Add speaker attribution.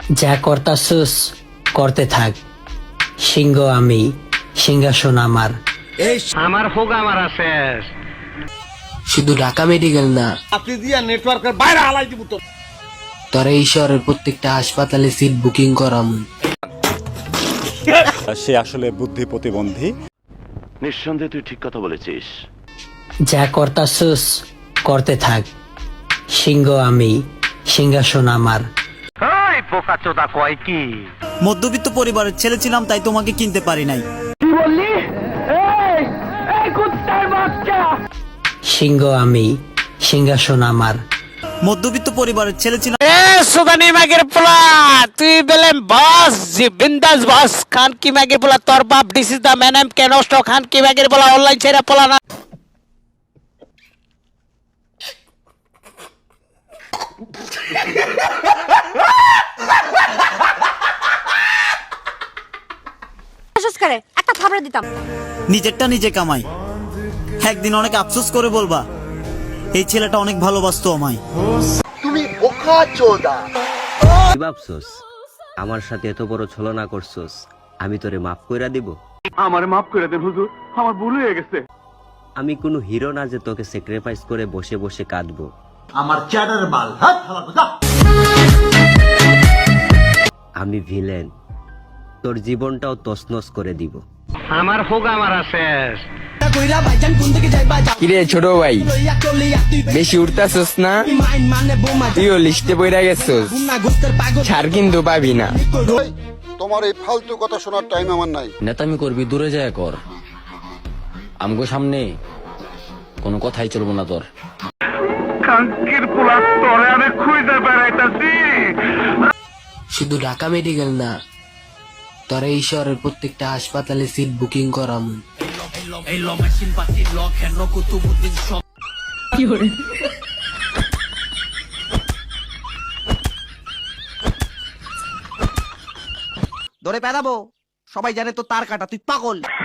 Speaker 1: যা করতাছুস করতে থাক, সিংহ আমি, সিংহাসন আমার।
Speaker 2: আমার হোক আমার আছে।
Speaker 3: শুধু ঢাকা মেডিকেল না,
Speaker 4: আপনি দিয়া নেটওয়ার্কের বাইরে হালাই দিব তো।
Speaker 3: তোরা এই শহরের প্রত্যেকটা হাসপাতালে সিট বুকিং করাম।
Speaker 5: সে আসলে বুদ্ধি প্রতিবন্ধী।
Speaker 6: নিঃসন্দেহে তুই ঠিক কথা বলেছিস।
Speaker 1: যা করতাছুস করতে থাক, সিংহ আমি, সিংহাসন আমার।
Speaker 2: ওই বোকা চোদা কয় কি?
Speaker 7: মধ্যবিত্ত পরিবারের ছেলে ছিলাম, তাই তোমাকে কিনতে পারি নাই।
Speaker 1: সিংহ আমি, সিংহাসন আমার।
Speaker 7: মধ্যবিত্ত পরিবারের ছেলে ছিলাম,
Speaker 2: সুদানি মাগের পোলা, তুই বলেন বস জি বিন্দাস বস। খান কি মাগের পোলা, তোর বাপ দিস ইজ দ্য ম্যান, এম কেন খান কি মাগের পোলা অনলাইন ছেড়ে পোলা না।
Speaker 8: একটা থাবড়া দিতাম।
Speaker 7: নিজেরটা নিজে কামাই। একদিন অনেক আফসোস করে বলবা, এই ছেলেটা অনেক ভালোবাসতো আমায়।
Speaker 9: কি ভাবছস আমার সাথে এত বড় ছলনা করছস, আমি তোরে মাফ কইরা দিব?
Speaker 6: আমারে মাফ করে দেন হুজুর, আমার ভুল হয়ে গেছে।
Speaker 9: আমি কোনো হিরো না যে তোকে স্যাক্রিফাইস করে বসে বসে কাঁদবো। আমি ভিলেন, তোর জীবনটাও তছনছ করে দিব।
Speaker 2: আমার হোক আমার আছে।
Speaker 10: কিরে ছোট ভাই, বেশি উঠতাছস না? তুইও লিস্টে বইরা গেছস, ছাড় কিন্তু পাবি না।
Speaker 11: তোমার এই ফালতু কথা শোনার টাইম আমার নাই।
Speaker 10: নেতামি করবি দূরে যায় কর, আমগো সামনে কোনো কথাই চলবো না তোর।
Speaker 2: খানকির পোলা, তোরে আমি খুঁজে বেড়াইতাছি।
Speaker 3: শুধু ঢাকা মেডিকেল না, তোরা এই শহরের প্রত্যেকটা হাসপাতালে সিট বুকিং করাম।
Speaker 4: ধরে পেদাবো, সবাই জানে তো তার কাটা, তুই পাগল।